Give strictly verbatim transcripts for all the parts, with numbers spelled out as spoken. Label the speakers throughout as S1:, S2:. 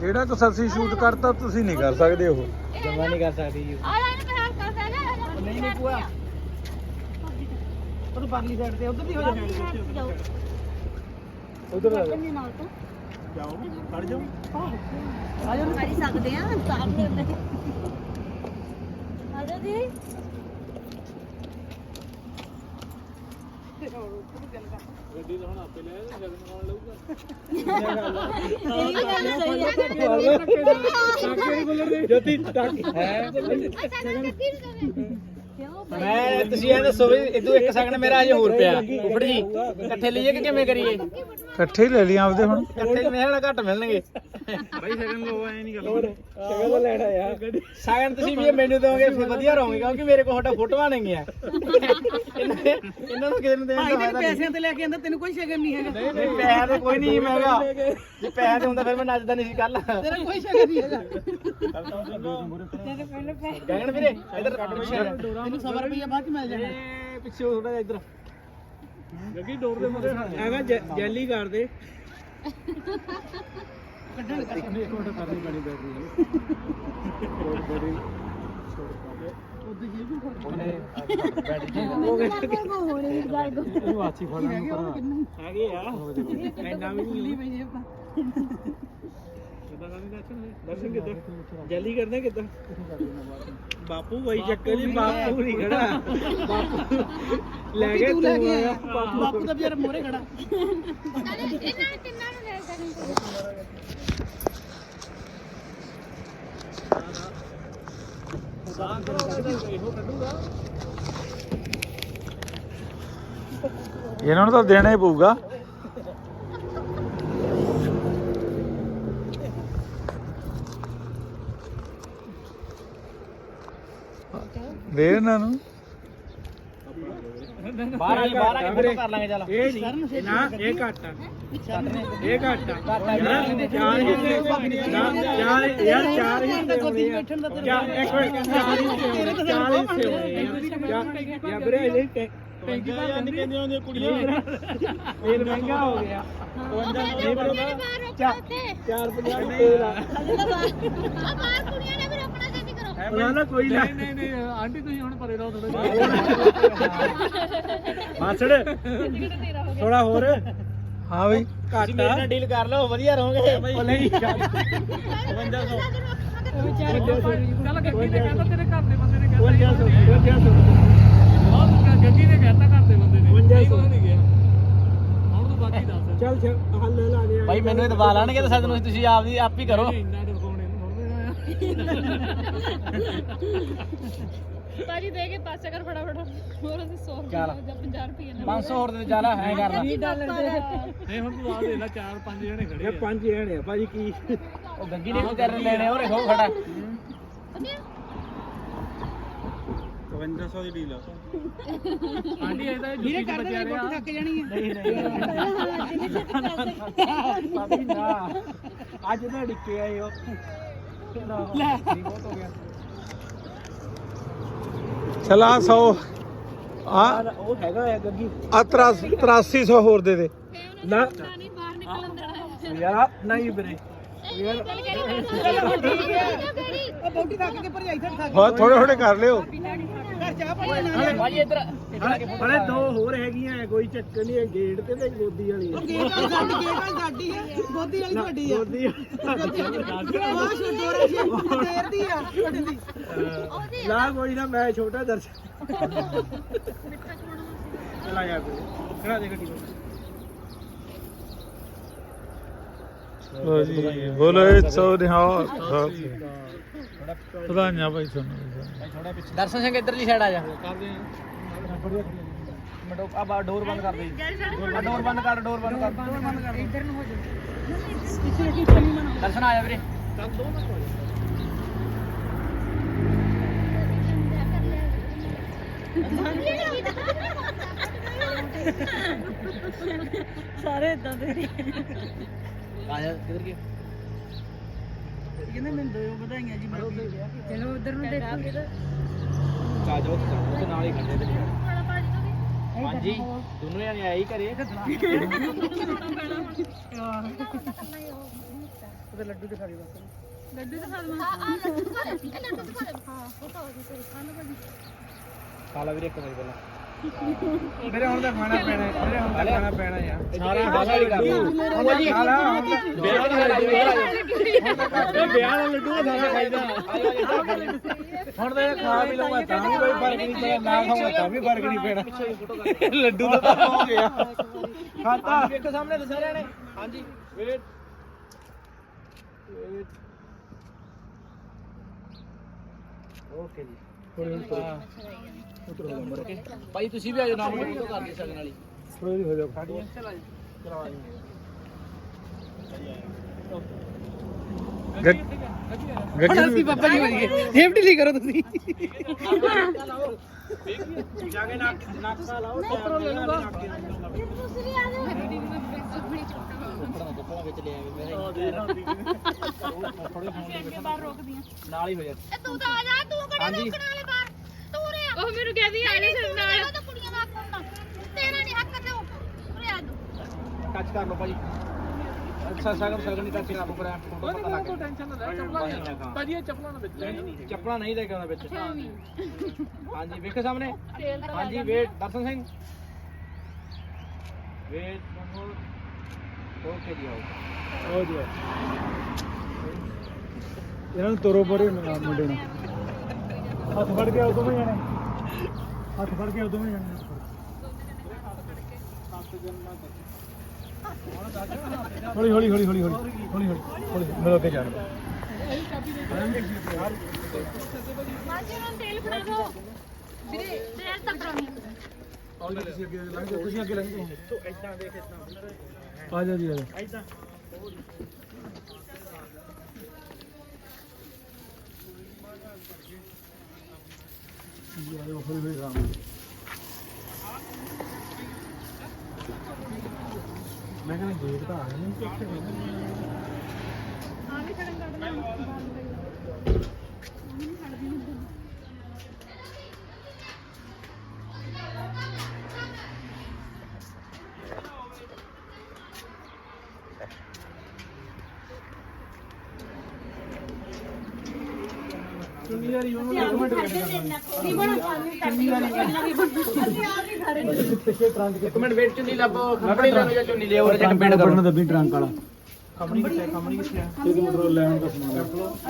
S1: ਜਿਹੜਾ ਕੁਛ ਅਸੀਂ ਸ਼ੂਟ ਕਰਤਾ ਤੁਸੀਂ ਨਹੀਂ ਕਰ ਸਕਦੇ ਉਹ
S2: ਜਮਾ ਨਹੀਂ ਕਰ ਸਕਦੀ ਜੀ
S3: ਆ ਲੈ ਇਹਨੂੰ ਬਿਹਾਰ ਕਰ ਦੇ
S2: ਨਹੀਂ ਨਹੀਂ ਭੂਆ ਉਹ ਪਰਲੀ ਸਾਈਡ ਤੇ ਉਧਰ ਦੀ ਹੋ ਜਾ ਉਧਰ ਆ
S3: ਕੰਨੀ ਨਾਲ ਤੋਂ
S2: ਜਾਓ ਖੜ ਜਾਓ
S3: ਆ ਜਾ ਕਰ ਸਕਦੇ ਆ ਸਾਹਮਣੇ ਹੁੰਦੇ ਆ ਜਾ ਦੀ
S2: ਗੱਡੀ ਤਾਂ ਹੁਣ ਆਪੇ ਲੈ ਜਾ ਜਗਨ ਨਾਲ ਲਊਗਾ
S3: ਇਹ ਵੀ ਗੱਲ ਸਹੀ ਹੈ
S2: ਜੋਤੀ ਟੱਕ ਹੈ ਮੈਂ ਤੁਸੀਂ ਇਹ ਦੱਸੋ ਵੀ ਇਦੋਂ ਇੱਕ ਸੈਕਿੰਡ ਮੇਰਾ ਹਜੇ ਹੋਰ ਪਿਆ ਉਫੜ ਜੀ ਇਕੱਠੇ ਲਈਏ ਕਿ ਕਿਵੇਂ ਕਰੀਏ
S1: ਇਕੱਠੇ ਹੀ ਲੈ ਲਈ ਆਪਦੇ ਹੁਣ
S2: ਇਕੱਠੇ ਮੇਰੇ ਘੱਟ ਮਿਲਣਗੇ
S1: ਬਾਈ ਸੈਕਿੰਡ ਲੋ ਐ ਨਹੀਂ ਗੱਲ
S2: ਸੈਕਿੰਡ ਤਾਂ ਲੈਣਾ ਯਾਰ ਸੈਕਿੰਡ ਤੁਸੀਂ ਵੀ ਇਹ ਮੈਨੂੰ ਦੋਗੇ ਫਿਰ ਵਧੀਆ ਰਹੋਗੇ ਕਿਉਂਕਿ ਮੇਰੇ ਕੋਲ ਤੁਹਾਡਾ ਫੋਟੋਆਂ ਨਹੀਂ ਆ ਇਹਨਾਂ ਨੂੰ ਕਿਸੇ ਨੂੰ ਦੇਣ ਦਾ ਫਾਇਦਾ ਪੈਸਿਆਂ ਤੇ ਲੈ ਕੇ ਆਂਦਾ ਤੈਨੂੰ ਕੋਈ ਸ਼ਗਨ ਨਹੀਂ ਹੈਗਾ ਨਹੀਂ ਪੈਸਾ ਤਾਂ ਕੋਈ ਨਹੀਂ ਮਹਿੰਗਾ ਜੇ ਪੈਸਾ ਤੇ ਹੁੰਦਾ ਫਿਰ ਮੈਂ ਨੱਚਦਾ ਨਹੀਂ ਸੀ ਕੱਲ ਤੇਰਾ ਕੋਈ ਸ਼ਗਨ ਨਹੀਂ ਹੈਗਾ ਗਗਨ ਵੀਰੇ ਇਧਰ ਤੈਨੂੰ ਸੌ ਰੁਪਏ ਬਾਅਦ ਚ ਮਿਲ ਜਾਣਾ ਇਹ ਪਿੱਛੇ ਥੋੜਾ ਜਿਹਾ ਇਧਰ ਗੱਗੀ ਡੋਰ ਦੇ ਮੂਰੇ ਐਵੇਂ ਜੈਲੀ ਕਰ ਦੇ ਕੱਢਣ ਇੱਕ ਮਿੰਟ ਕਰਨੀ ਪੈਣੀ ਬੈਟਰੀ ਬੈਟਰੀ ਉਹਦੇ ਜੇ ਵੀ ਬੈਟਰੀ ਹੋ ਗਏ ਹੋਣੇ ਗੱਲ ਕੋ ਇਹਨੂੰ ਆਛੀ ਫੜਨਾ ਹੈਗੇ ਆ ਇੰਨਾ ਵੀ ਨਹੀਂ ਪਈ ਜੇ ਆਪਾਂ ਕਿੱਦਾਂ ਕਰਨੀ ਦਰਸ਼ਨ ਦਰਸ਼ਨ ਕਿੱਦਾਂ ਜੈਲੀ ਕਰਨਾ ਕਿੱਦਾਂ ਬਾਪੂ ਬਾਈ ਚੱਕਰ ਜੀ ਬਾਪੂ ਨਹੀਂ ਖੜਾ ਬਾਪੂ ਲੈ ਕੇ ਤੂੰ ਆਇਆ ਬਾਪੂ ਤਾਂ ਵਿਚਾਰਾ ਮੋਰੇ ਖੜਾ
S3: ਇਹਨਾਂ ਨੇ ਤਿੰਨਾਂ ਨੂੰ ਲੈ ਜਾਣੀ
S1: ਇਹਨਾਂ ਨੂੰ ਤਾਂ ਦੇਣਾ ਹੀ ਪਊਗਾ ਦੇ ਇਹਨਾਂ ਨੂੰ
S2: ਬਾਹਰ ਆ ਬਾਹਰ ਆ ਕੇ ਫੋਟੋ ਕਰ ਲਾਂਗੇ ਚੱਲ ਇਹ ਨਹੀਂ ਨਾ ਇਹ ਘੱਟ ਆ ਇਹ ਘੱਟ ਆ ਯਾਰ ਚਾਰ ਹਿੱਸੇ ਚਾਰ ਯਾਰ ਚਾਰ ਹਿੱਸੇ ਗੋਦੀ ਬੈਠਣ ਦਾ ਤੇਰਾ ਇੱਕ ਮਿੰਟ ਚਾਰ ਹਿੱਸੇ ਹੋਣੇ ਯਾ ਵੀਰੇ ਇਹ ਟੈਂਕੀ ਤਾਂ ਨਹੀਂ ਕਹਿੰਦੇ ਹੁੰਦੇ ਕੁੜੀਆਂ ਤੇਲ ਮਹਿੰਗਾ ਹੋ ਗਿਆ ਨਹੀਂ ਬਰੋਬਰ ਚਾਰ ਪੰਜਾਹ ਤੇਲ ਆ
S3: ਬਾਹਰ ਕੁੜੀਆਂ ਨੇ ਵੀ ਰੋਕਣਾ ਛੇਤੀ ਕਰੋ
S2: ਨਾ ਨਾ ਕੋਈ ਨਹੀਂ ਨਹੀਂ ਨਹੀਂ ਆਂਟੀ ਤੁਸੀਂ ਹੁਣ ਪਰੇ ਰਹੋ ਥੋੜਾ ਮਾਸੜ ਥੋੜਾ ਹੋਰ
S1: ਹਾਂ ਬਈ
S2: ਘੱਟ ਮੇਰੇ ਨਾਲ ਡੀਲ ਕਰ ਲਓ ਵਧੀਆ ਰਹੋਗੇ ਉਹ ਨਹੀਂ ਪਚਵੰਜਾ ਸੌ ਚੱਲ ਗੱਡੀ ਨੇ ਕਹਿੰਦਾ ਤੇਰੇ ਘਰ ਦੇ ਬੰਦੇ ਨੇ ਕਹਿੰਦਾ ਪਚਵੰਜਾ ਸੌ ਪਚਵੰਜਾ ਸੌ ਗੱਡੀ ਨੇ ਕਹਿੰਦਾ ਘਰ ਦੇ ਬੰਦੇ ਨੇ ਪਚਵੰਜਾ ਸੌ ਨਹੀਂ ਗਿਆ ਹੁਣ ਤੂੰ ਬਾਕੀ ਦੱਸ ਚੱਲ ਹੱਲ ਲਾ ਦੇ ਭਾਈ ਮੈਨੂੰ ਇਹ ਦਵਾ ਲਾਣਗੇ ਤਾਂ ਸਾਨੂੰ ਤੁਸੀਂ ਆਪ ਦੀ ਆਪ ਹੀ ਕਰੋ ਇੰਨਾ ਦਵਾਉਣੇ
S3: ਬਾਜੀ ਦੇ ਕੇ ਪਾਸੇ ਕਰ ਫਟਾਫਟ ਹੋਰ ਅਸੀਂ ਸੌ ਜਾਂ ਪੰਜਾਹ ਰੁਪਏ ਨਾਲ
S2: ਪੰਜ ਸੌ ਹੋਰ ਦੇ ਜਾਣਾ ਹੈ ਕਰਨਾ
S3: ਵੀਹ ਡਾਲਰ ਦੇ
S2: ਨਹੀਂ ਹੁਣ ਤੂੰ ਆ ਦੇ ਲੈ ਚਾਰ ਪੰਜ ਜਣੇ ਖੜੇ ਆ ਪੰਜ ਜਣੇ ਆ ਭਾਜੀ ਕੀ ਉਹ ਗੱਗੀ ਨੇ ਵੀ ਕਰਨ ਲੈਣੇ ਉਹ ਦੇਖੋ ਖੜਾ
S1: ਪਚਵੰਜਾ ਸੌ ਦੀ ਡੀਲ ਆ
S2: ਆਂਟੀ ਇਹਦਾ ਜੁੱਤੀ ਚ ਬਚਿਆ ਰਿਹਾ ਥੱਕ ਜਾਣੀ ਹੈ ਨਹੀਂ ਨਹੀਂ ਨਾ ਅੱਜ ਤਾਂ ਡਿੱਕੇ ਆਏ ਹੋ ਲੈ ਬਹੁਤ ਹੋ ਗਿਆ
S1: ਚਲਾ ਸੌ ਆ
S2: ਉਹ ਹੈਗਾ ਹੈ ਗੱਗੀ
S1: ਆ ਤਰਾਸੀ ਸੌ ਹੋਰ ਦੇ ਦੇ
S2: ਨਾ
S3: ਨਹੀਂ ਬਾਹਰ ਨਿਕਲਣ ਦੇਣਾ
S2: ਯਾਰ ਨਹੀਂ ਵੀਰੇ ਯਾਰ
S3: ਉਹ
S2: ਬੌਡੀ ਥੱਕ ਕੇ ਭਰਜਾਈ ਥੱਕ ਥੱਕ
S1: ਹਾਂ ਥੋੜੇ ਥੋੜੇ ਕਰ ਲਿਓ
S2: ਘਰ ਚਾਹ ਪਾਣੀ ਨਾ ਭਾਜੀ ਇੱਧਰ ਹਲੇ ਦੋ ਹੋਰ ਹੈਗੀਆਂ ਕੋਈ ਚੱਕਰ ਨਹੀਂ ਗੇਟ ਤੇ ਤੇ ਗੋਦੀ ਵਾਲੀ ਉਹ ਗੇਟ ਵਾਲੀ ਸਾਡੀ ਗੇਟ ਵਾਲੀ ਸਾਡੀ ਹੈ ਗੋਦੀ ਵਾਲੀ ਤੁਹਾਡੀ ਆ ਗੋਦੀ ਉਹ ਛੋਟੋਰੇ ਸ਼ੇਰ ਦੀ ਆ ਤੁਹਾਡੀ ਲਾ ਕੋਈ ਨਾ ਮੈਂ ਛੋਟਾ ਦਰਸ਼ਨ ਚਲਾ ਜਾ ਖੜਾ ਦੇ ਗੱਡੀ
S1: ਲੋ ਜੀ ਬੋਲੇ ਸੋ ਨਿਹਾਲ ਵਧਾਈਆਂ ਭਾਈ ਤੁਹਾਨੂੰ
S2: ਦਰਸ਼ਨ ਸਿੰਘ ਇੱਧਰ ਦੀ ਸਾਈਡ ਆ ਜਾ ਕਰਦੇ ਆ ਆ ਡੋਰ ਬੰਦ ਕਰ ਦੇ ਡੋਰ ਬੰਦ ਕਰ ਡੋਰ ਬੰਦ ਕਰ ਡੋਰ ਬੰਦ ਕਰ ਇੱਧਰ ਨੂੰ ਹੋ ਜਾ ਦਰਸ਼ਨ ਆ ਜਾ ਵੀਰੇ ਦੋ ਮਿੰਟ ਹੋ
S3: ਸਾਰੇ ਇਦਾਂ ਦੇ
S2: ਆ ਜਾ ਕਿੱਧਰ ਗਿਆ
S4: ਕਹਿੰਦੇ ਮੈਨੂੰ ਦੋ ਵਧਾਈਆਂ ਜੀ ਮੈਂ
S3: ਚਲੋ ਉਧਰ ਨੂੰ ਦੇਖੋ
S2: ਆ ਜਾਓ ਤੇ ਨਾਲ ਹੀ ਖੜੇ ਤੇ
S3: ਬੜਾ ਬਾਜੀ ਤੋਂ ਵੀ
S2: ਹਾਂਜੀ ਦੋਨੋਂ ਜਣੇ ਆਏ ਹੀ ਘਰੇ
S4: ਉਹਦੇ ਲੱਡੂ ਦਿਖਾ ਦੇ ਬਸ
S3: ਲੱਡੂ ਦਿਖਾ ਦਵਾਂ ਆ ਆ ਲੱਡੂ ਦਿਖਾ ਦੇ ਇਹ ਲੱਡੂ ਦਿਖਾ ਦੇ ਹਾਂ ਫੋਟੋ ਆ ਗਈ ਤੇਰੀ ਖਾਣਾ ਭਾਜੀ
S2: ਖਾ ਲਾ ਵੀਰੇ ਇੱਕ ਵਾਰੀ ਪਹਿਲਾਂ ਮੇਰੇ ਹੁਣ ਤਾਂ ਖਾਣਾ ਪੈਣਾ ਹੈ ਮੇਰੇ ਹੁਣ ਤਾਂ ਖਾਣਾ ਪੈਣਾ ਯਾਰ ਸਾਰਾ ਹਾਸਾ ਹੀ ਕਰ ਹੁਣ ਜੀ ਖਾ ਲਾ ਵਿਆਹ ਵਾਲਾ ਲੱਡੂ ਇਹ ਵਿਆਹ ਵਾਲਾ ਲੱਡੂ ਸਾਰਾ ਖਾਈਦਾ ਹੁਣ ਤਾਂ ਇਹ ਖਾ ਵੀ ਲਵਾਂ ਤਾਂ ਵੀ ਕੋਈ ਫਰਕ ਨਹੀਂ ਪੈਣਾ ਨਾ ਖਾਵਾਂ ਤਾਂ ਵੀ ਫਰਕ ਨਹੀਂ ਪੈਣਾ ਲੱਡੂ ਦਾ ਹੋ ਗਿਆ ਖਾਤਾ ਵੇਖੋ ਸਾਹਮਣੇ ਤੇ ਸਾਰਿਆਂ ਨੇ ਹਾਂਜੀ ਵੇਟ ਵੇਟ ਓਕੇ ਜੀ ਭਾਈ ਤੁਸੀਂ ਵੀ ਆ ਜਾਓ ਨਾਲ ਵੀਡੀਓ ਕਰ ਦੇ ਸਕਣ ਵਾਲੀ
S1: ਥੋੜੀ ਹੋ ਜਾ
S2: ਚਲਾ ਜੀ ਚਲਾ ਜੀ
S1: ਗੱਡੀ
S4: ਅਸੀਂ ਪਾਪਾ ਜੀ ਬਣ ਗਏ ਸੇਫਟੀ ਲਈ ਕਰੋ ਤੁਸੀਂ
S2: ਜਾ ਕੇ ਨਾਕ ਨਾਕਾ ਲਾਓ ਉੱਪਰੋਂ ਲੈ ਲੂਗਾ
S3: ਦੂਸਰੀ ਆ ਜਾ ਬੜੀ ਚੁੱਕਾ
S2: ਕੱਪੜਾ ਵਿੱਚ ਲੈ ਆਵੇ ਮੇਰੇ
S3: ਅੱਗੇ ਬਾਹਰ ਰੋਕਦੀਆਂ
S2: ਨਾਲ ਹੀ ਹੋ ਜਾ
S3: ਇਹ ਤੂੰ ਤਾਂ ਆ ਜਾ ਤੂੰ ਕਿਹੜੇ
S2: ਹਾਂਜੀ।
S3: ਰੋਕਣ ਵਾਲੇ ਬਾਹਰ ਤੂੰ ਰੇ ਉਹ ਮੈਨੂੰ ਕਹਿੰਦੀ ਆ ਜਾ ਸਿਰ ਨਾਲ ਉਹ ਤਾਂ ਕੁੜੀਆਂ ਦਾ ਹੱਕ ਹੁੰਦਾ ਤੇਰਾ ਨਹੀਂ ਹੱਕ ਤੇ ਉਰੇ ਆ ਤੂੰ
S2: ਟੱਚ ਕਰ ਲਓ ਭਾਜੀ ਅੱਛਾ ਸਗਨ ਸਗਨ ਨਹੀਂ ਟੱਚ ਕਰ ਲਓ ਪਰ ਫੋਟੋ ਪਤਾ ਲੱਗ ਗਿਆ
S4: ਟੈਨਸ਼ਨ ਨਾ ਲੈ ਚੱਪਲਾਂ ਭਾਜੀ ਇਹ ਚੱਪਲਾਂ ਨਾ ਵਿੱਚ
S2: ਚੱਪਲਾਂ ਨਹੀਂ ਲੈ ਕੇ ਆਉਣਾ ਵਿੱਚ
S3: ਛੇਵੀਂ
S2: ਹਾਂਜੀ ਵੇਖੋ ਸਾਹਮਣੇ
S3: ਤੇਲ ਤਾਂ
S2: ਹਾਂਜੀ wait Darshan Singh wait okay ਜੀ ਆਓ
S1: ਹੋ ਜਾ ਇਹਨਾਂ ਨੂੰ ਤੋਰੋ ਪਰੇ ਮੁੰਡੇ ਨੂੰ ਹੱਥ ਫੜ ਕੇ ਉਦੋਂ ਵੀ ਜਾਣੇ ਹੱਥ ਫੜ ਕੇ ਉਦੋਂ ਵੀ ਜਾਣੇ ਹੌਲੀ ਹੌਲੀ ਹੌਲੀ ਹੌਲੀ ਹੌਲੀ ਹੌਲੀ ਹੌਲੀ ਮਿਲ ਕੇ ਜਾਣ
S3: ਮਾਜੀ ਨੂੰ ਤੇਲ ਫੜਾ ਦੋ ਵੀਰੇ ਤੇਲ ਤਾਂ ਫੜਾਉਣੀ
S1: ਤੁਸੀਂ ਅੱਗੇ ਲੰਘ ਜਾਓ ਤੁਸੀਂ ਅੱਗੇ ਲੰਘ ਜਾਓ
S2: ਇਦਾਂ ਦੇਖ ਇਦਾਂ
S1: ਆ ਜਾ ਜੀ ਆ ਜਾ
S2: ਇਦਾਂ
S1: ਜੀ ਆ ਜਾਓ ਹੌਲੀ ਹੌਲੀ ਆਰਾਮ ਨਾਲ। ਮੈਂ ਕਹਿੰਦਾ ਗੇਟ ਤਾਂ ਆ ਗਿਆ ਨਹੀਂ ਕਿੱਥੇ
S3: ਆ ਵੀ ਖੜਨ ਕੱਢਣਾ
S1: ਚੁੰਨੀ ਵਾਲੀ ਉਹਨੂੰ ਇੱਕ ਮਿੰਟ ਵੇਟ ਕਰਨਾ
S3: ਕੀ ਬਣਾ ਪਾਣੀ ਕਰਦੀ ਵੀ
S1: ਪਿੱਛੇ ਟਰੰਕ
S2: ਇੱਕ ਮਿੰਟ ਵੇਟ ਚੁੰਨੀ ਲੱਭੋ ਖੰਪੜੀ ਲੈ ਲਓ ਜਾਂ ਚੁੰਨੀ ਲਿਓ ਉਹਦੇ ਚ ਕੰਪੇਂਡ ਕਰੋ
S1: ਕਰਨਾ ਦੱਬੀ ਟਰੰਕ ਵਾਲਾ
S2: ਖੰਪੜੀ ਕਿੱਥੇ ਖੰਪੜੀ ਕਿੱਥੇ ਆ
S1: ਇੱਕ ਪੈਟਰੋਲ ਲੈਣ ਦਾ ਸਮਾਨ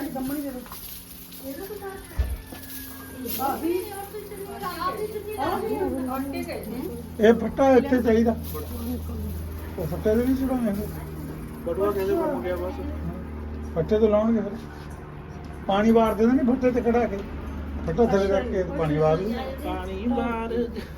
S1: ਇਹ ਫੱਟਾ ਇੱਥੇ ਚਾਹੀਦਾ ਉਹ ਫੱਟੇ ਦੇ ਨਹੀਂ ਚੜਾਉਣੇ
S2: ਬਟੂਆ ਕਹਿੰਦੇ ਬਣ ਗਿਆ ਬਸ
S1: ਫੱਟੇ ਤੋਂ ਲਾਉਣਗੇ ਫਿਰ ਪਾਣੀ ਵਾਰ ਦੇਣਾ ਨਹੀਂ ਫੱਟੇ ਤੇ ਖੜਾ ਕੇ ਫੱਟਾ ਥੱਲੇ ਰੱਖ ਕੇ ਪਾਣੀ ਵਾਰ ਲਓ।
S2: ਪਾਣੀ ਬਾਹਰ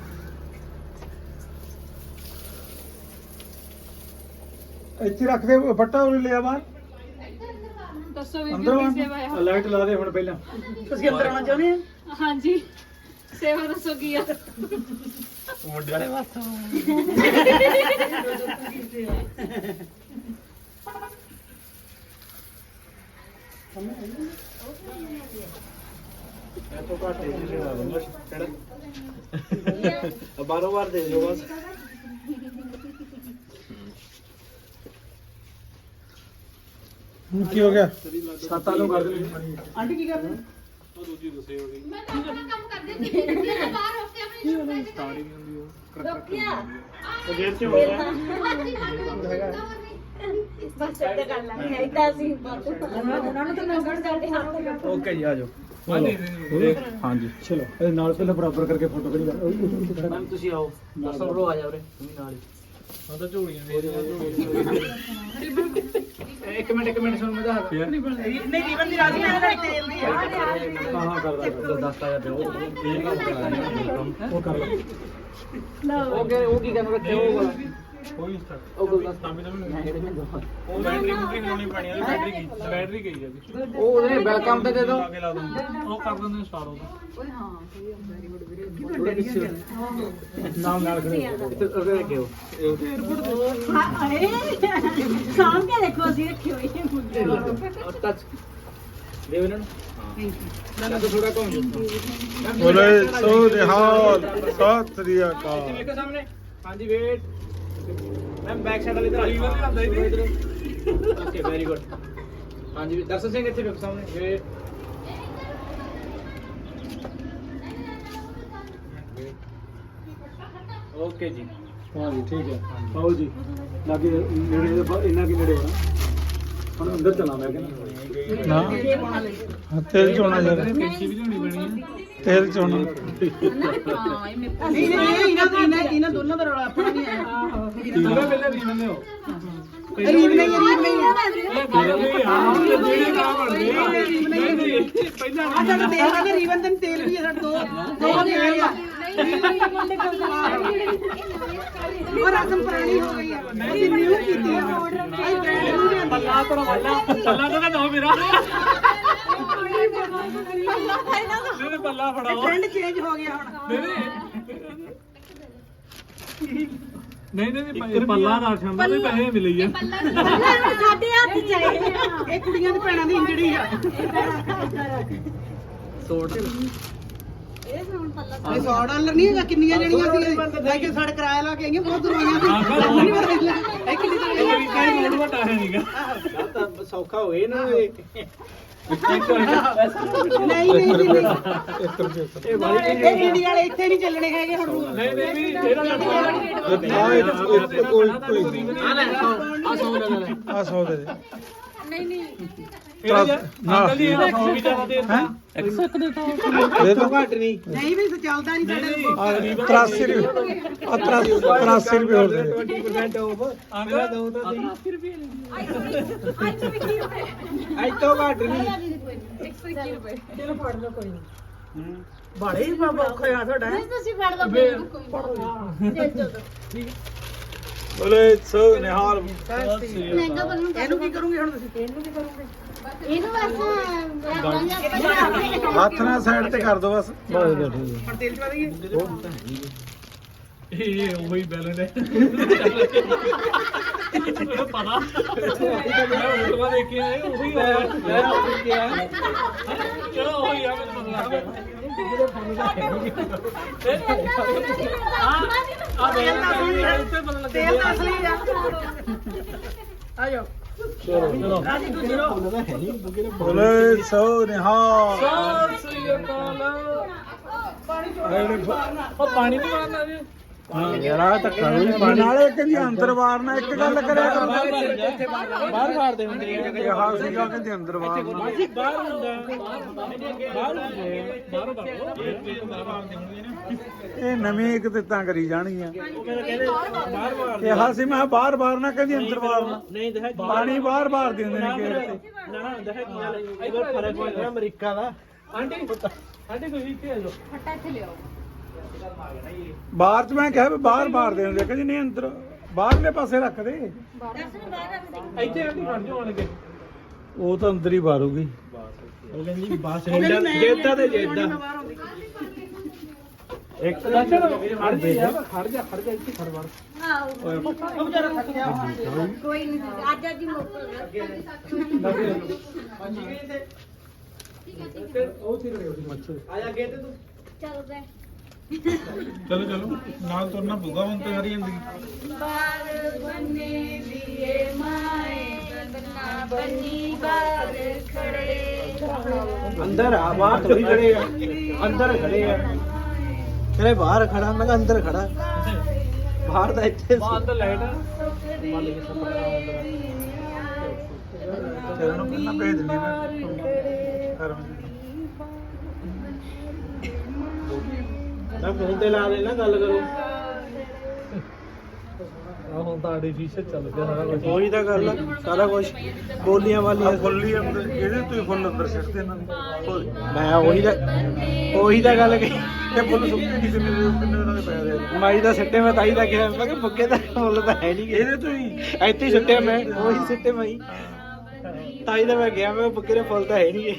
S1: ਇੱਥੇ ਰੱਖ ਦੇ ਫੱਟਾ ਉਹ ਲਿਆ ਬਾਹਰ
S3: ਦੱਸੋ ਵੀ
S1: ਅੰਦਰ
S3: ਕੀ ਸੇਵਾ ਆ
S1: ਲਾਈਟ ਲਾ ਦੇ ਹੁਣ ਪਹਿਲਾਂ
S4: ਤੁਸੀਂ ਅੰਦਰ ਆਉਣਾ ਚਾਹੁੰਦੇ ਆ
S3: ਹਾਂਜੀ ਸੇਵਾ ਦੱਸੋ ਕੀ ਆ
S2: ਮੁੰਡੇ ਵਾਲੇ ਵਾਸਤੇ ਮੈਂ ਤੋਂ ਘੱਟ ਹੀ ਸੇਵਾ ਦੂੰਗਾ ਕਿਹੜਾ ਬਾਰੋ ਬਾਰ ਦੇ ਦਿਓ ਬਸ
S1: ਹੁਣ ਕੀ ਹੋ ਗਿਆ
S2: ਸੱਤ ਆਲੂ ਕਰ ਦੇ
S4: ਆਂਟੀ ਕੀ ਕਰਦੇ
S3: ਮੈਂ ਤਾਂ ਆਪਣਾ ਕੰਮ ਕਰਦੀ ਸੀ ਤੇ ਬਾਹਰ ਹੋ ਕੇ ਆਪਣੀ ਸਟਾਰਟਿੰਗ ਰੋਕਿਆ
S2: ਉਹ ਗੇਟ 'ਚ ਹੋ ਗਿਆ
S3: ਬਸ ਇੱਦਾਂ ਕਰ ਲਾਂਗੇ ਇੱਦਾਂ ਅਸੀਂ ਉਹਨਾਂ ਨੂੰ ਤਾਂ ਨੰਬਰ ਕਰਦੇ ਹਾਂ
S2: ਓਕੇ ਜੀ ਆ ਜਾਓ
S1: ਹਾਂਜੀ ਹਾਂਜੀ ਚਲੋ ਇਹਦੇ ਨਾਲ ਪਹਿਲਾਂ ਬਰਾਬਰ ਕਰਕੇ ਫੋਟੋ ਕਰੀ ਕਰ
S2: ਮੈਮ ਤੁਸੀਂ ਆਓ ਦਰਸ਼ਨ ਬਰੋ ਆ ਜਾ ਉਰੇ ਤੂੰ ਵੀ ਨਾਲ ਹੀ ਹਾਂ ਤਾਂ ਝੋਲੀਆਂ ਦੇ ਇੱਕ ਮਿੰਟ ਇੱਕ ਮਿੰਟ ਸੁਣ ਮੈਂ ਦੱਸ ਫੇਰ ਨਹੀਂ
S4: ਨਹੀਂ ਰੀਵਨ ਦੀ ਰਾਜੀ ਮੇਰੇ ਨਾਲ ਤੇਲ ਦੀ ਆ
S1: ਹਾਂ ਹਾਂ ਕਰਦਾ
S2: ਦਸ ਆ ਜਾ ਉਹ
S1: ਉਹ ਕਰ ਲੈ
S2: ਓਕੇ ਉਹ ਕੀ ਕਰਨ ਰੱਖੇ ਉਹ ਵਾਲਾ
S1: ਕੋਈ ਸਟਾਰਟ
S2: ਉਹ ਗੁਲਦਸਤਾ
S1: ਤਾਂ ਵੀ ਤਾਂ ਮੈਨੂੰ
S2: ਉਹ ਬੈਟਰੀ ਬੁਕਿੰਗ ਹੋਣੀ ਪੈਣੀ ਹੈ ਬੈਟਰੀ ਗਈ ਬੈਟਰੀ ਗਈ ਹੈ ਜੀ ਉਹ ਉਹਨੇ ਵੈਲਕਮ ਤੇ ਦੇ ਦੋ
S1: ਲਾ ਕੇ ਲਾ ਦੂੰਗਾ ਉਹ ਕਰ ਦਿੰਦੇ ਸਟਾਰਟ ਉਹਦਾ
S4: ਓਏ ਹਾਂ ਵੈਰੀ ਗੁੱਡ ਵੀਰੇ
S1: ਨਾਮ ਨਾਲ ਖੜੇ
S2: ਇੱਥੇ ਉਹਦੇ ਰੱਖਿਓ
S4: ਹਾਏ ਸਾਹਮ ਕੇ ਦੇਖੋ ਅਸੀਂ ਰੱਖੇ ਹੋਏ ਨੇ ਮੁੰਡੇ
S2: ਟੱਚ ਦੇ ਇਹਨਾਂ ਨੂੰ ਹਾਂ ਨਾ ਤਾਂ ਥੋੜਾ ਕਮ
S1: ਬੋਲੇ ਸੋ ਨਿਹਾਲ ਸਤਿ ਸ੍ਰੀ ਅਕਾਲ
S2: ਵੇਖੋ ਸਾਹਮਣੇ ਹਾਂਜੀ ਵੇਟ ਮੈਮ ਬੈਕ ਸਾਈਡ ਵਾਲੀ ਤਰ੍ਹਾਂ ਲੀਵਰ ਵੀ ਆਉਂਦਾ ਇਹਦੇ ਓਕੇ ਵੈਰੀ ਗੁੱਡ ਹਾਂਜੀ ਦਰਸ਼ਨ ਸਿੰਘ ਇੱਥੇ ਵੇਖੋ ਸਾਹਮਣੇ ਇਹ ਓਕੇ ਜੀ
S1: ਹਾਂ ਜੀ ਠੀਕ ਹੈ ਆਓ ਜੀ ਲਾਗੇ ਨੇੜੇ ਇੰਨਾ ਕੀ ਨੇੜੇ ਹੋਣਾ ਹੁਣ ਅੰਦਰ ਚਲਾ ਮੈਂ ਕਹਿੰਦਾ ਨਾ ਹਾਂ ਤੇਲ ਚੋਣਾ ਯਾਰ
S2: ਕੈਂਚੀ ਵੀ ਲਿਆਉਣੀ ਪੈਣੀ ਹੈ
S1: ਤੇਲ ਚੋਣਾ
S4: ਹਾਂ ਇਹ ਮੇਰੇ
S5: ਨਹੀਂ ਨਹੀਂ ਇਹਨਾਂ ਇਹਨਾਂ ਇਹਨਾਂ ਦੋਨਾਂ ਦਾ ਰੌਲਾ ਆਪਣਾ ਨਹੀਂ ਹੈ
S2: ਪੂਰਾ ਪਹਿਲਾਂ ਰੀਵਨ ਲਿਓ
S5: ਰੀਬ ਨਹੀਂ ਰੀਬ ਨਹੀਂ
S2: ਇਹ ਗੱਲ ਨਹੀਂ ਹਾਂ ਜਿਹੜੇ ਕੰਮ ਬਣਦੇ ਨਹੀਂ ਨਹੀਂ ਪਹਿਲਾਂ
S5: ਆ ਸਾਡਾ ਤੇਲ ਦਾ ਰੀਬਨ ਤੇ ਤੇਲ ਵੀ ਹੈ ਸਾਡੇ ਦੋ ਦੋ ਤੇਲ ਆ ਉਹ ਰਸਮ ਪੁਰਾਣੀ ਹੋ ਗਈ ਹੈ ਅਸੀਂ ਨਿਊ ਕੀਤੀ ਹੈ ਅਸੀਂ ਬ੍ਰਾਂਡ ਨੂੰ ਨਹੀਂ ਆਂਦੀ
S2: ਪੱਲਾ ਤੋਂ ਪੱਲਾ ਪੱਲਾ ਤੋਂ ਨਾ ਮੇਰਾ ਨਹੀਂ ਪੱਲਾ ਫੜਾਓ
S5: ਟ੍ਰੈਂਡ ਚੇਂਜ ਹੋ ਗਿਆ ਹੁਣ
S2: ਨਹੀਂ ਨਹੀਂ ਨਹੀਂ ਪੱਲਾ ਰਾਸ਼ਨ ਦਾ ਵੀ ਪੈਸੇ ਮਿਲੇ ਆ
S4: ਸਾਡੇ ਹੱਥ ਚ ਆਏ
S5: ਇਹ ਕੁੜੀਆਂ ਦੇ ਭੈਣਾਂ ਦੀ ਇੰਜੜੀ ਆ
S2: ਸੋਟ
S5: ਇਹ ਸੌ ਡਾਲਰ ਨਹੀਂ ਹੈਗਾ ਕਿੰਨੀਆਂ ਜਣੀਆਂ ਸੀ ਲੈ ਕੇ ਸਾਡੇ ਕਿਰਾਇਆ ਲਾ ਕੇ ਆਈਆਂ ਬਹੁਤ ਦੂਰ ਆਈਆਂ ਇਹ ਕਿੰਨੀ
S2: ਇਹ ਵੀ ਕੋਈ ਮੋੜ ਵਟਾ ਹੈ ਨਹੀਂਗਾ
S1: ਤਾਂ ਸੌਖਾ ਹੋਏ ਨਾ
S5: ਨਹੀਂ ਨਹੀਂ ਨਹੀਂ
S1: ਇੱਕ ਰੁਪਏ
S5: ਇਹ ਇੰਡੀਆ ਵਾਲੇ ਇੱਥੇ ਨਹੀਂ ਚੱਲਣੇ ਹੈਗੇ ਹੁਣ ਰੂਲ
S2: ਨਹੀਂ ਨਹੀਂ ਵੀ ਇਹਦਾ
S1: ਕੋਈ ਕੋਈ
S2: ਆ ਲੈ ਆ ਸੌ ਲੈ ਲੈ
S1: ਆ ਸੌ ਦੇ ਦੇ
S3: ਨਹੀਂ ਨਹੀਂ
S2: ਅੰਕਲ ਜੀ ਇਹਦਾ ਸੌ ਵੀ ਜ਼ਿਆਦਾ ਦੇ ਦਿੱਤਾ
S1: ਦੇ ਦੋ ਘੱਟ ਨਹੀਂ
S5: ਨਹੀਂ ਵੀ ਚੱਲਦਾ ਨਹੀਂ ਸਾਡੇ ਕੋਲ
S1: ਤਰਾਸੀ ਰੁਪਏ ਆ ਤਰਾਸੀ ਰੁਪਏ ਹੋਰ ਦੇ ਦੇ
S2: ਵੀਹ ਪਰਸੈਂਟ ਆਫ ਅੰਕਲ ਦੋ ਤਾਂ ਸਹੀ
S1: ਅੱਜ ਤੋਂ ਘੱਟ ਨਹੀਂ
S3: ਇੱਕ ਸੌ ਇੱਕੀ ਰੁਪਏ
S5: ਚਲੋ ਫੜ ਲਓ ਕੋਈ ਨਹੀਂ ਬਾੜੇ ਹੀ ਬਾਬਾ ਔਖਾ ਆ ਤੁਹਾਡਾ
S3: ਨਹੀਂ ਤੁਸੀਂ ਫੜ ਲਓ ਫਿਰ ਕੋਈ ਦੇ ਦਿਓ
S1: ਬੋਲੇ ਸੋ ਨਿਹਾਲ
S3: ਮਹਿੰਗਾ ਬਣੂ
S5: ਇਹਨੂੰ ਕੀ ਕਰੋਗੇ ਹੁਣ ਤੁਸੀਂ ਇਹਨੂੰ ਕੀ ਕਰੋਗੇ
S3: ਇਹਨੂੰ ਬਸ
S1: ਹੱਥ ਨਾਲ ਸਾਈਡ ਤੇ ਕਰ ਦੋ ਬਸ ਬਸ ਬੈਠੇ
S5: ਹੁਣ ਤੇਲ ਚਵਾ ਦਈਏ
S2: ਇਹ ਉਹੀ ਬੈਲੈਂਸ ਹੈ ਪਤਾ ਮੈਂ ਉਲਟਵਾ ਦੇਖ ਕੇ ਆਇਆ ਉਹੀ ਹੋਇਆ ਮੈਂ ਦੇਖ ਕੇ ਆਇਆ ਚਲੋ ਉਹੀ ਆ ਮੈਨੂੰ ਪਤਾ ਲੱਗ ਗਿਆ ਆ
S5: ਤੇਲ ਦਾ ਅਸਲੀ ਹੈ ਤੇਲ ਦਾ ਅਸਲੀ ਆ ਆ ਜਾਓ
S2: ਚਲੋ
S5: ਰਾਜੀ ਦੂਜੀ ਲਓ
S1: ਬੋਲੇ ਸੋ ਨਿਹਾਲ
S2: ਸਤਿ ਸ੍ਰੀ ਅਕਾਲ ਉਹ ਪਾਣੀ ਨਹੀਂ ਮਾਰਨਾ ਜੀ
S1: ਹਾਂ ਯਾਰ ਆ ਧੱਕਾ ਵੀ ਨਾਲੇ ਕਹਿੰਦੀ ਅੰਦਰ ਵਾਰਨਾ ਇੱਕ ਗੱਲ ਕਰਿਆ ਕਰੋ
S2: ਬਾਹਰ ਮਾਰਦੇ ਹੁੰਦੇ ਆ
S1: ਇਹ ਹਾਲ ਸੀਗਾ ਕਹਿੰਦੀ ਅੰਦਰ ਵਾਰਨਾ
S2: ਬਾਹਰ ਹੁੰਦਾ ਬਾਹਰ ਹੁੰਦੇ ਬਾਹਰ ਬਾਹਰ
S1: ਇਹ ਨਵੀਂ ਇੱਕ ਤੇ ਤਾਂ ਕਰੀ ਜਾਣਗੀਆਂ ਇਹ ਹਾਲ ਸੀ ਮੈਂ ਬਾਹਰ ਬਾਹਰ ਨਾ ਕਹਿੰਦੀ ਅੰਦਰ ਵਾਰਨਾ
S2: ਨਹੀਂ ਤਾਂ
S1: ਪਾਣੀ ਬਾਹਰ ਬਾਹਰ ਦੇ ਹੁੰਦੇ ਨੇ ਗੇਟ ਤੇ
S2: ਨਾ ਨਾ ਹੁੰਦਾ ਹੈ ਇਹਦਾ ਫਰਕ ਹੋਇਆ ਅਮਰੀਕਾ ਦਾ ਆਂਟੀ ਆਂਟੀ ਕੋਈ ਇੱਥੇ ਆ ਜਾਓ
S3: ਫਟਾ ਇੱਥੇ ਲਿਆਓ
S1: ਬਾਹਰ ਚ ਮੈਂ ਕਿਹਾ ਵੀ ਬਾਹਰ ਬਾਹਰ ਦੇ ਹੁੰਦੇ ਕਹਿੰਦੀ ਨਹੀਂ ਅੰਦਰ ਬਾਹਰਲੇ ਪਾਸੇ ਰੱਖ ਦੇ
S2: ਇੱਥੇ ਆਂਟੀ ਖੜ ਜਾਓ ਆਣ ਕੇ
S1: ਉਹ ਤਾਂ ਅੰਦਰ ਹੀ ਬਾਰੂਗੀ
S2: ਉਹ ਕਹਿੰਦੀ ਬਾਸ
S1: ਜੇਦਾ ਤੇ ਜੇਦਾ
S2: ਇੱਕ ਦਰਸ਼ਨ ਖੜ ਜਾ ਖੜ ਜਾ ਖੜ ਜਾ ਇੱਥੇ ਖੜ ਵੜ
S3: ਆਓ
S5: ਉਹ ਵਿਚਾਰਾ ਥੱਕ ਗਿਆ
S3: ਕੋਈ ਨਹੀਂ ਅੱਜ ਅੱਜ ਹੀ ਮੋਕਲ
S2: ਉਹ ਸੀ ਰਹੇ ਆਇਆ ਗਏ ਤੇ ਤੂੰ
S3: ਚਲੋ ਬੈ
S1: ਚਲੋ ਚਲੋ ਨਾਲ ਤੁਰਨਾ ਪਊਗਾ ਹੁਣ ਤੇ ਸਾਰੀ ਜ਼ਿੰਦਗੀ
S3: ਬਾਰ ਬੰਨੇ ਦੀਏ ਮਾਏ ਬੰਨਾ ਬੰਨੀ ਬਾਰ ਖੜੇ
S2: ਅੰਦਰ ਆ ਬਾਹਰ ਥੋੜੀ ਖੜੇ ਆ ਅੰਦਰ ਖੜੇ ਆ
S1: ਕਹਿੰਦੇ ਬਾਹਰ ਖੜਾ ਮੈਂ ਕਿਹਾ ਅੰਦਰ ਖੜਾ ਬਾਹਰ ਦਾ ਇੱਥੇ
S2: ਬਾਹਰ ਤਾਂ ਲਾਈਟ
S1: ਚਲੋ ਨੂੰ ਪਹਿਲਾਂ ਭੇਜ ਦਿੰਦੀ ਮੈਂ ਘਰ
S2: ਮੈਂ ਫੋਨ ਤੇ ਲਾ ਲੈਣਾ ਗੱਲ ਕਰੋ ਆ ਹੁਣ ਤਾਂ ਆਰਟੀਫੀਸ਼ੀਅਲ ਚੱਲ ਗਿਆ ਸਾਰਾ ਕੁਝ
S1: ਉਹੀ ਤਾਂ ਗੱਲ ਆ ਸਾਰਾ ਕੁਝ ਬੋਲੀਆਂ ਵਾਲੀਆਂ ਫੁੱਲੀ ਅੰਦਰ ਇਹਦੇ ਤੋਂ ਹੀ ਫੁੱਲ ਅੰਦਰ ਸਿੱਟਦੇ ਇਹਨਾਂ ਨੇ ਮੈਂ ਉਹੀ ਦਾ ਉਹੀ ਤਾਂ ਗੱਲ ਕਹੀ ਇਹ ਫੁੱਲ ਸੁੱਕੇ ਕਿਸੇ ਨੇ ਕਿੰਨੇ ਦਿਨਾਂ ਦੇ ਪਏ ਦੇ ਮਾਈ ਦਾ ਸਿੱਟੇ ਮੈਂ ਤਾਈ ਦਾ ਕਿਹਾ ਮੈਂ ਕਿ ਫੁੱਕੇ ਦਾ ਫੁੱਲ ਤਾਂ ਹੈ ਨਹੀਂ ਇਹਦੇ ਤੋਂ ਹੀ ਇੱਥੇ ਹੀ ਸਿੱਟੇ ਮੈਂ ਉਹੀ ਸਿੱਟੇ ਮਾਈ ਤਾਈ ਦਾ ਮੈਂ ਗਿਆ ਮੈਂ ਫੁੱਕੇ ਦੇ ਫੁੱਲ ਤਾਂ ਹੈ ਨਹੀਂ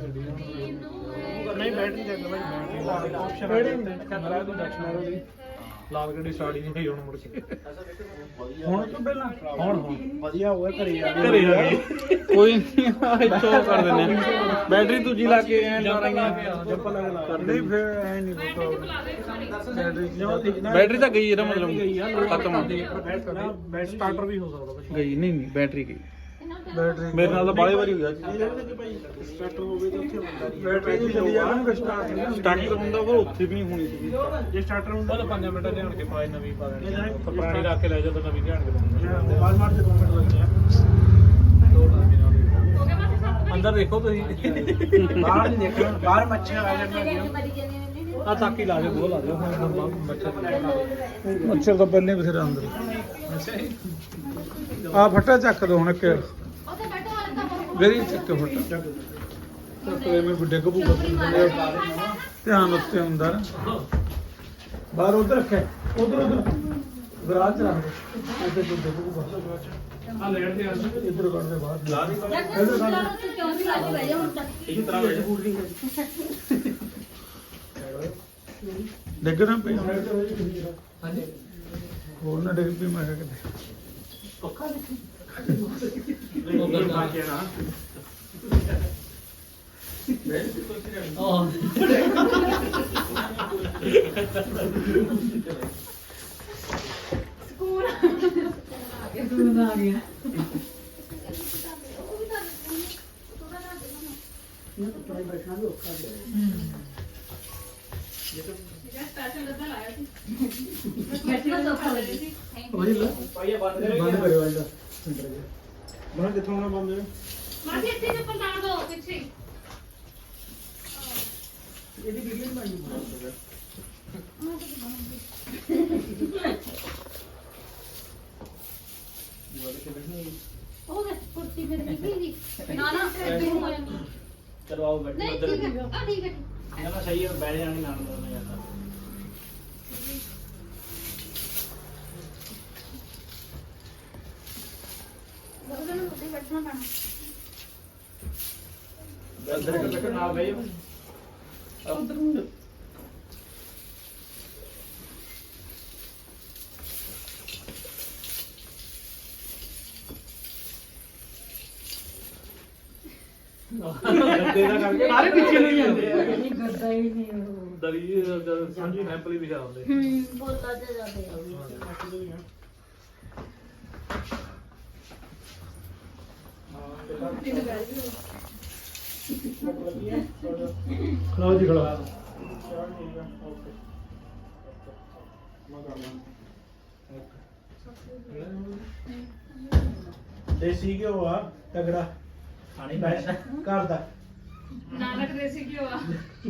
S2: ਨਹੀਂ ਬੈਟਰੀ ਚੱਲ ਬਾਈ ਆਪਸ਼ਨ ਬੈਟਰੀ ਹੁੰਦੇ ਖਤਰਾ ਤੋਂ ਡੈਕਸ਼ਨਰੀ ਦੀ ਲਾਲ ਗੱਡੀ ਸਟਾਰਟ ਹੀ ਨਹੀਂ ਹੋਈ ਹੁਣ ਮੁੜ ਕੇ
S1: ਹੁਣ ਤੋਂ ਪਹਿਲਾਂ
S2: ਹੁਣ ਹੁਣ
S1: ਵਧੀਆ ਹੋਇਆ ਘਰੇ ਆ
S2: ਘਰੇ ਆ ਗਏ
S1: ਕੋਈ ਨਹੀਂ ਇੱਥੋਂ ਕਰ ਦਿੰਦੇ ਆ ਬੈਟਰੀ ਦੂਜੀ ਲਾ ਕੇ ਐਂ ਲਾ ਰਹੀਆਂ
S2: ਜੰਪ ਲਾ ਕੇ ਲਾ
S1: ਨਹੀਂ ਫਿਰ ਐ ਨਹੀਂ ਬੈਟਰੀ
S6: ਬੈਟਰੀ ਤਾਂ ਗਈ ਇਹਦਾ ਮਤਲਬ ਖਤਮ
S2: ਬੈਟਰੀ ਸਟਾਰਟਰ ਵੀ ਹੋ ਸਕਦਾ
S6: ਗਈ ਨਹੀਂ ਨਹੀਂ ਬੈਟਰੀ ਗਈ
S1: ਬੈਟਰੀ
S2: ਮੇਰੇ ਨਾਲ ਤਾਂ ਬਾਲੇ ਵਾਰੀ ਹੋਇਆ
S1: ਸਟਾਰਟਰ ਹੋਵੇ ਤਾਂ ਉੱਥੇ ਹੁੰਦਾ ਨਹੀਂ ਬੈਟਰੀ ਦੀ ਚੱਲੀ ਜਾਵੇ ਨਾ ਸਟਾਰਟ ਨਹੀਂ
S2: ਸਟਾਰਟਰ ਹੁੰਦਾ ਪਰ ਉੱਥੇ ਵੀ ਨਹੀਂ ਹੋਣੀ ਸੀ
S1: ਜੇ ਸਟਾਰਟਰ ਹੁੰਦਾ
S2: ਤਾਂ ਪੰਜ ਮਿੰਟ ਲਿਆਣ ਕੇ ਪਾਏ ਨਵੀਂ ਪਾ ਦੇਣੀ ਪੁਰਾਣੀ ਰੱਖ ਕੇ ਲੈ ਜਾ ਤਾਂ ਨਵੀਂ ਲਿਆਣ ਕੇ ਦੇਣੀ
S1: ਬਾਲ ਮਾਰ ਦੇ ਦੋ ਮਿੰਟ ਲੱਗਦੇ ਆ
S2: ਅੰਦਰ ਦੇਖੋ ਤੁਸੀਂ
S1: ਬਾਹਰ ਨਹੀਂ ਦੇਖਣਾ ਬਾਹਰ ਮੱਛੀਆਂ ਆ ਜਾਣਗੀਆਂ
S2: ਆ ਤਾਕੀ ਲਾ ਦੇ ਬੋਲ ਲਾ ਦੇ ਮੱਛਰ
S1: ਮੱਛਰ ਤਾਂ ਪਹਿਲੇ ਬਥੇਰਾ ਅੰਦਰ ਆ ਫੱਟਾ ਚੱਕ ਦੋ ਹੁਣ ਇੱਕ
S3: ਉੱਥੇ ਬੈਠੋ ਵਾਲੇ ਤਾਂ
S1: ਗਰੀ ਚੱਕ ਫੱਟਾ ਚੱਕ ਲੈ ਮੈਂ ਵੱਡੇ ਕਬੂ ਧਿਆਨ ਉੱਤੇ ਹੁੰਦਾ ਨਾ ਬਾਹਰ ਉਧਰ ਰੱਖਿਆ ਉਧਰ ਉਧਰ ਗਰਾਜ ਚ ਰੱਖ ਦੇ ਇੱਧਰ ਵੱਡੇ ਕਬੂ
S2: ਆ ਲੈਣ ਦੇ ਅੰਦਰ
S1: ਇੱਧਰ ਕੱਢ ਦੇ ਬਾਹਰ
S2: ਲਾ ਦੀ
S4: ਕਿਉਂ ਨਹੀਂ ਲੱਗ ਰਿਹਾ ਹੁਣ ਤੱਕ
S2: ਇਹ ਤਰ੍ਹਾਂ ਵਿੱਚ ਫੂਡ ਨਹੀਂ
S1: ਡਿੱਗ ਨਾ ਪਈ
S2: ਹਾਂਜੀ
S1: ਹੋਰ ਨਾ ਡਿੱਗ ਪਈ ਮੈਂ ਕਿਹਾ ਕਿਤੇ
S2: ਪੱਕਾ ਉਹ ਗੱਲ ਪਾ ਕੇ ਨਾ
S4: ਸਕੂਲ ਆ ਗਿਆ
S2: ਪਾਈਆ ਬੰਦ
S1: ਬੰਦ ਕਰਿਓ ਇਹਦਾ ਮੈਂ ਕਿੱਥੋਂ ਨਾ ਬੰਦ ਹੈ
S3: ਮਾਸੀ ਇੱਥੇ ਚੱਪਲ ਲਾ ਦੋ ਪਿੱਛੇ
S1: ਇਹਦੀ ਵੀਡੀਓ ਬਣਾਈ
S3: ਉਹ ਦੇ ਕੁਰਸੀ ਫਿਰ ਨਿਕਲੀ ਜੀ ਨਾ ਨਾ ਇੱਥੇ ਹੋ ਜਾਂਦੀ
S2: ਚਲੋ ਆਓ ਬੈਠੋ
S3: ਨਹੀਂ
S2: ਉਧਰ
S3: ਠੀਕ ਹੈ ਆ ਠੀਕ ਹੈ
S2: ਨਾ ਨਾ ਸਹੀ ਹੈ ਬੈਠ ਜਾਣੀ ਨਾਲ ਦੋਨੇ ਜਾਂਦਾ
S3: ਉਹਦੇ ਨੂੰ ਉੱਤੇ ਬੈਠਣਾ ਪੈਣਾ
S2: ਅੰਦਰ ਇੱਕ ਨਾਲ ਬਈ ਉਧਰ ਸਾਰੇ ਪਿੱਛੇ ਨਹੀਂ ਜਾਂਦੇ
S4: ਨਹੀਂ ਕਰਦਾ ਹੀ ਨਹੀਂ ਉਹ
S2: ਦਰੀ ਸਾਂਝੀ ਸੈਂਪਲ ਹੀ ਵਿਖਾ ਹੁੰਦੇ
S4: ਹੂੰ ਬੋਲਦਾ ਤੇ ਜਾਂਦੇ
S1: ਖਲਾਓ ਜੀ ਖਲਾਓ ਦੇਸੀ ਘਿਓ ਆ ਤਗੜਾ
S2: ਖਾਣੀ
S1: ਬੈਠ ਘਰ ਦਾ
S3: ਨਾਨਕ ਦੇਸੀ ਘਿਓ ਆ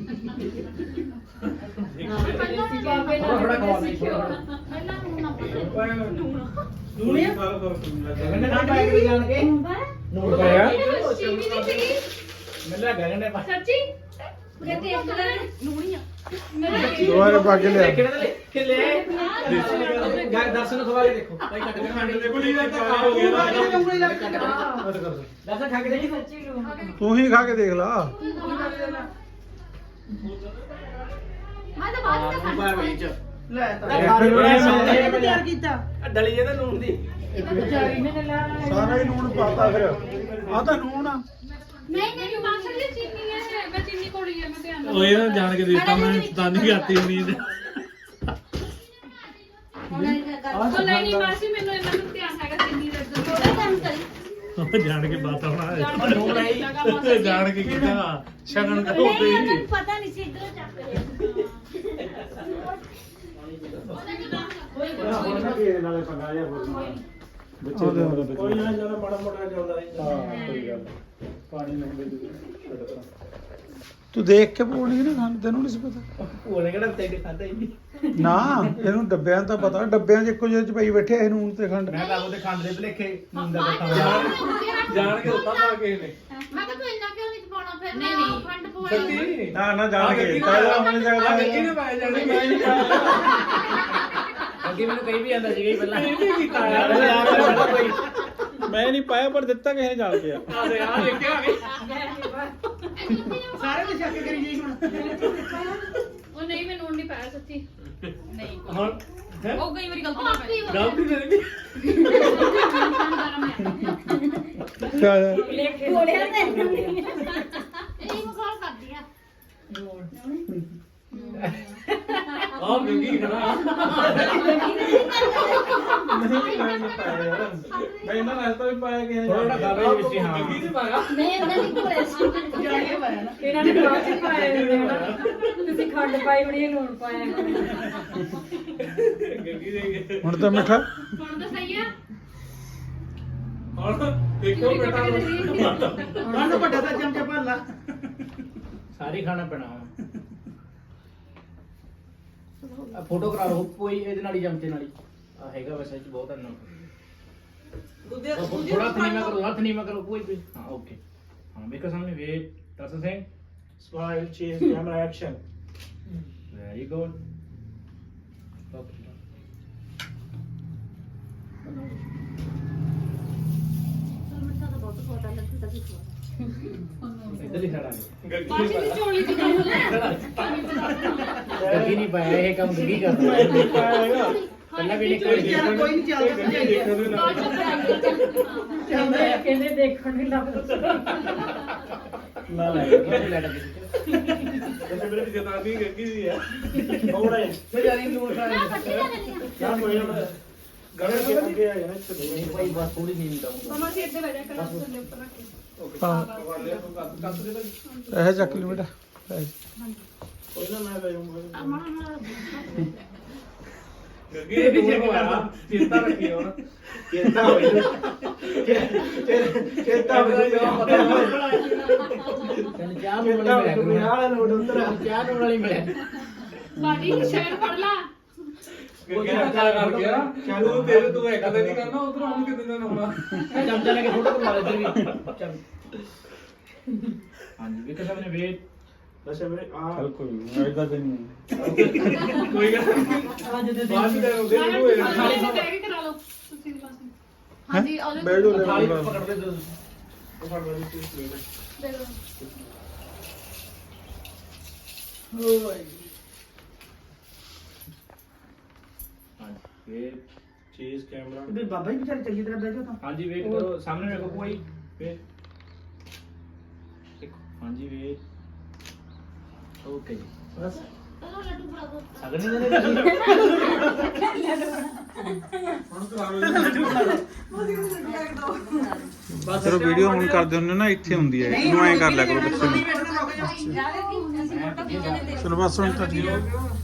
S2: ਥੋੜਾ ਖਵਾ ਦੇ
S3: ਪਹਿਲਾਂ ਨੂੰ ਨਾ ਪਤਾ
S1: ਨੂਣੀਆ ਗੱਲ ਕਰ
S2: ਗਗਨ ਨੇ ਪਾਇਆ ਕਿ ਜਾਣ ਕੇ
S1: ਨੂਣ ਪਾਇਆ
S3: ਚੀਨੀ ਨਹੀਂ ਸੀਗੀ
S2: ਮੈਨੂੰ ਲੱਗਾ ਗਗਨ ਨੇ ਪਾਇਆ
S3: ਸੱਚੀ ਮੈਂ ਤੇ ਇੱਕ ਲੈ ਨੂਣੀ ਆ ਮੇਰਾ
S1: ਦੁਬਾਰੇ ਪਾ ਕੇ ਲਿਆ
S2: ਕਿਹੜਾ ਲੈ ਕੇ ਲੈ ਗਾਇ ਦਰਸ਼ਨ ਖਵਾ ਕੇ ਦੇਖੋ ਭਾਈ ਕੱਟ ਕੇ ਖੰਡ ਦੇ ਗੁਲੀ ਦਾ ਤਾਂ ਹੋ ਗਿਆ ਦਰਸ਼ਨ ਖਾ ਕੇ ਦੇਖੀ
S4: ਸੱਚੀ ਨੂੰ
S1: ਤੂੰ ਹੀ ਖਾ ਕੇ ਦੇਖ ਲਾ
S3: ਮੈਂ ਤਾਂ ਬਾਅਦ ਵਿੱਚ ਖਾਣਾ
S2: ਵਿੱਚ
S5: ਲੈ ਤਾਂ
S1: ਇਹ
S5: ਤਿਆਰ ਕੀਤਾ
S2: ਡਲੀ ਜੇ ਤਾਂ ਨੂਨ ਦੀ
S4: ਵਿਚਾਰੀ ਨੇ ਲਾ
S1: ਸਾਰਾ ਹੀ ਨੂਣ ਪਾਤਾ ਫਿਰ ਆ ਤਾਂ ਨੂਣ ਆ
S3: ਨਹੀਂ ਨਹੀਂ ਮਾਸਟਰ ਜੀ ਚੀਨੀ ਹੈ ਮੈਂ ਚੀਨੀ ਕੋੜੀ ਹੈ ਮੈਂ ਧਿਆਨ ਨਾਲ
S2: ਉਹ ਇਹ ਤਾਂ ਜਾਣ ਕੇ ਦਿੱਤਾ ਮੈਂ ਤਾਂ ਨਹੀਂ ਆਤੀ ਹੁੰਦੀ ਇਹਦੇ
S3: ਉਹ ਨਹੀਂ ਨਹੀਂ ਮਾਸੀ ਮੈਨੂੰ ਇਹਨਾਂ ਨੂੰ ਧਿਆਨ ਹੈਗਾ ਚੀਨੀ ਦਾ ਥੋੜਾ ਟਾਈਮ ਕਰੀ
S2: ਉਹ ਜਾਣ ਕੇ ਬਾਤ ਹੋਣਾ ਨੂਨ ਆਈ ਜਾਣ ਕੇ ਕਿਹਾ ਸ਼ਗਨ ਦਾ
S4: ਨਹੀਂ
S2: ਹੁੰਦੇ
S4: ਉਹਨਾਂ ਨੂੰ ਪਤਾ ਨਹੀਂ ਸੀ ਇਧਰੋਂ ਚੱਕ ਲਿਆ
S1: ਹੁਣ ਨਾ ਕੀ ਨਾਲੇ ਪੰਗਾ ਜਿਹਾ ਹੋਰ ਬੱਚੇ ਕੋਈ ਨਾ ਜਦੋਂ ਮਾੜਾ ਮੋਟਾ ਚੱਲਦਾ ਰਹਿੰਦਾ ਹਾਂ ਕੋਈ ਗੱਲ ਪਾਣੀ ਲੰਘਦੇ ਜੂ ਤੂੰ ਦੇਖ ਕੇ ਬੋਲਣੀ ਨਾ ਖਾਣ ਤੈਨੂੰ ਨਹੀਂ ਸੀ ਪਤਾ
S2: ਉਹਨੇ ਕਿਹੜਾ ਤੇ ਖਾਦਾ ਹੀ ਨਹੀਂ
S1: ਨਾ ਇਹਨੂੰ ਡੱਬਿਆਂ ਦਾ ਪਤਾ ਡੱਬਿਆਂ 'ਚ ਇੱਕੋ ਜਿਹੇ 'ਚ ਪਈ ਬੈਠੇ ਇਹ ਨੂਨ ਤੇ ਖੰਡ
S2: ਮੈਂ ਤਾਂ ਉਹਦੇ ਖੰਡ ਦੇ ਭਲੇਖੇ ਨੂਨ ਦਾ ਬੱਤਾ ਜਾਣ ਕੇ ਉੱਤਾ ਪਾ ਕੇ ਨੇ
S3: ਮੈਂ ਕਿਹਾ ਤੂੰ ਇੰਨਾ ਕਿਉਂ ਨਹੀਂ ਪਾਉਣਾ ਫਿਰ ਨਹੀਂ ਨਹੀਂ ਖੰਡ ਪਵਾਈ
S2: ਸੱਚੀ
S1: ਨਾ ਨਾ ਜਾਣ ਕੇ ਪਹਿਲਾਂ ਆਪਣੇ ਜਗ੍ਹਾ
S2: ਗੱਗੀ ਨੇ ਪਾਇਆ ਜਾਣੀ ਮੈਂ ਨਹੀਂ ਅੱਗੇ ਮੈਨੂੰ ਕਹੀ ਵੀ ਆਂਦਾ ਸੀਗਾ ਹੀ ਪਹਿਲਾਂ ਇਹ ਵੀ ਕੀਤਾ ਯਾਰ ਕੋਈ
S1: ਮੈਂ ਨਹੀਂ ਪਾਇਆ ਪਰ ਦਿੱਤਾ ਕਿਸੇ ਨੇ ਜਾਣ ਕੇ ਆ
S2: ਆ ਦੇ ਆ ਦੇਖਿਆ ਆ ਗਏ
S5: ਸਾਰੇ ਤੇ ਸ਼ੱਕ ਕਰੀ ਜਾਈ ਹੁਣ
S3: ਉਹ ਨਹੀਂ ਮੈਂ ਨੂਣ ਨਹੀਂ ਪਾਇਆ ਸੱਚੀ ਨਹੀਂ
S2: ਹੁਣ
S3: ਉਹ ਕਈ ਵਾਰੀ ਗਲਤੀ ਨਾਲ ਪੈ ਜਾਂਦੀ
S2: ਗਲਤੀ ਮੇਰੀ
S4: ਕੋੜਿਆ ਤੇ
S3: ਇਹ ਮਸਾਲਾ ਕਰਦੀ ਆ
S2: ਆਹ ਗੱਗੀ ਖੜਾ
S1: ਨਹੀਂ ਮੈਂ ਨਹੀਂ ਪਾਇਆ ਯਾਰ ਮੈਂ ਇਹਨਾਂ ਨਾਲ ਤਾਂ ਵੀ ਪਾਇਆ ਗਿਆ
S2: ਥੋੜਾ ਖਾ ਲਈ ਵਿੱਚ ਹਾਂ ਗੱਗੀ ਨਹੀਂ ਪਾਇਆ
S4: ਮੈਂ ਉਹਨਾਂ ਦੀ ਕੋਲੇ ਸੀ
S5: ਜਾਣੇ ਪਾਇਆ ਨਾ
S4: ਇਹਨਾਂ ਨੇ ਬਾਅਦ ਚ ਪਾਏ ਹੁੰਦੇ ਹਨਾ ਤੁਸੀਂ ਖੰਡ ਪਾਈ ਹੋਣੀ ਹੈ ਲੂਣ ਪਾਇਆ
S2: ਗੱਗੀ ਦੇ
S1: ਹੁਣ ਤਾਂ ਮਿੱਠਾ
S3: ਹੁਣ ਤਾਂ ਸਹੀ ਆ
S2: ਹੁਣ ਦੇਖੋ ਬੇਟਾ
S5: ਹੁਣ ਵੱਡਾ ਤਾਂ ਚਮਚਾ ਭਰ ਲਾ
S2: ਸਾਰੀ ਖਾਣਾ ਪੈਣਾ ਆ ਫੋਟੋ ਕਰਾ ਲਓ ਕੋਈ ਇਹਦੇ ਨਾਲ ਹੀ ਚਮਚੇ ਨਾਲ ਹੀ ਆ ਹੈਗਾ ਵੈਸੇ ਇਹ 'ਚ ਬਹੁਤ ਅੰਨਾ
S5: ਦੂਜੇ
S2: थोड़ा धीमा करो हाथ धीमा करो कोई भी हाँ ओके हाँ मेरे सामने wait Darshan Singh
S1: smile chase camera action
S2: very good इधर ही खड़ा है
S3: ਬਾਜੀ ਦੀ ਚੋਲੀ ਚ ਕਰ ਲੈ
S2: गग्गी नहीं पाया ये काम गग्गी करता है
S1: ਪਾਇਆ ਹੈਗਾ
S2: पहला भी नहीं
S5: ਕੋਈ ਚੱਲ ਕੋਈ ਨਹੀਂ ਚੱਲਦਾ ਭਜਾਈ
S4: ਕਹਿੰਦੇ ਕਹਿੰਦੇ ਦੇਖਣ ਨਹੀਂ ਲੱਗਦਾ
S2: ना लाए लड़ा
S1: ਵੈਸੇ ਮੇਰੇ ਪਿੱਛੇ ਤਾਂ ਵੀ ਗੱਗੀ ਦੀ ਹੈ ਥੋੜਾ ਜਿਹਾ
S2: बेचारी नूर खा
S1: ਯਾਰ ਕੋਈ ਨਾ ਗੜੇ ਕੇ ਅੱਗੇ ਆ ਜਾਣਾ ਇੱਥੇ
S2: नहीं भाई बस थोड़ी नींद डाउन
S3: ਮਮਾ ਸੀ ਇੱਥੇ ਬੈਠਾ ਕਰਾ ਥੱਲੇ ਉੱਪਰ ਰੱਖ ਕੇ
S1: ਇਹ ਚੱਕ ਲਈ ਬੇਟਾ ਕੋਈ ਨਾ ਮੈਂ ਲੈ ਜਾਊਂਗਾ
S2: गग्गी ने पीछे को आया चिंता रखी हो ना
S1: ਚੇਤਾ ਹੋਈ ਚੇਤਾ ਹੋਈ
S2: चल चाह में वाली मिला
S1: ਵਾਲਾ ਨੋਟ ਉਤਰ
S2: चाह में वाली मिला
S3: ਬਾਜੀ ਸ਼ੇਰ ਫੜ ਲਾ
S2: गग्गी ने क्या कर गया तू तेरे तू एक दिन नहीं करना उधर हम कितने दिन होना चमचा लेके फोटो करवा ले इधर भी चल हां जी विकास ने वेट
S1: ਅੱਛਾ ਮੇਰੇ ਆ ਚਲ ਕੋਈ ਨਹੀਂ ਐਦਾਂ ਤੇ ਨਹੀਂ
S2: कोई बात नहीं करो दे दो
S3: ਖਾਲੀ ਸੇ ਬੈਗ ਹੀ ਕਰਾ ਲਓ ਤੁਸੀਂ ਵੀ ਪਾਸੇ ਹਾਂਜੀ ਉਹਦੇ
S1: ਬੈਠ ਜਾਓ
S2: थाली पकड़ दे दो
S1: ਉਹ ਫੜ ਵਾਲੀ ਚੀਜ਼ ਲੈ
S3: ਦੇ ਦਿਓ।
S2: हां वेट
S1: ਚੀਜ਼ ਕੈਮਰਾ
S5: ਵੀ ਬਾਬਾ ਜੀ ਵਿਚਾਰੇ ਚੰਗੀ ਤਰ੍ਹਾਂ ਬਹਿ ਜਾਓ ਤਾਂ
S2: हाँ जी वेट करो सामने देखो कोई वेट देखो हाँ जी वेट ओके जी बस
S3: ਚਲੋ ਲੱਡੂ ਫੜਾ ਦਿਓ
S2: अगर नहीं देने
S1: ਚਲੋ ਵੀਡੀਓ ਹੁਣ ਕਰਦੇ ਹੁੰਦੇ ਨਾ ਇੱਥੇ ਹੁੰਦੀ ਹੈ ਇਹਨੂੰ ਐਂ ਕਰ ਲਿਆ ਕਰੋ ਪਿੱਛੇ ਨੂੰ
S5: ਨਹੀਂ ਬੈਠਣਾ ਰੁਕ ਜਾ
S1: ਚਲੋ ਬਸ ਹੁਣ ਤਾਂ ਠੀਕ ਹੈ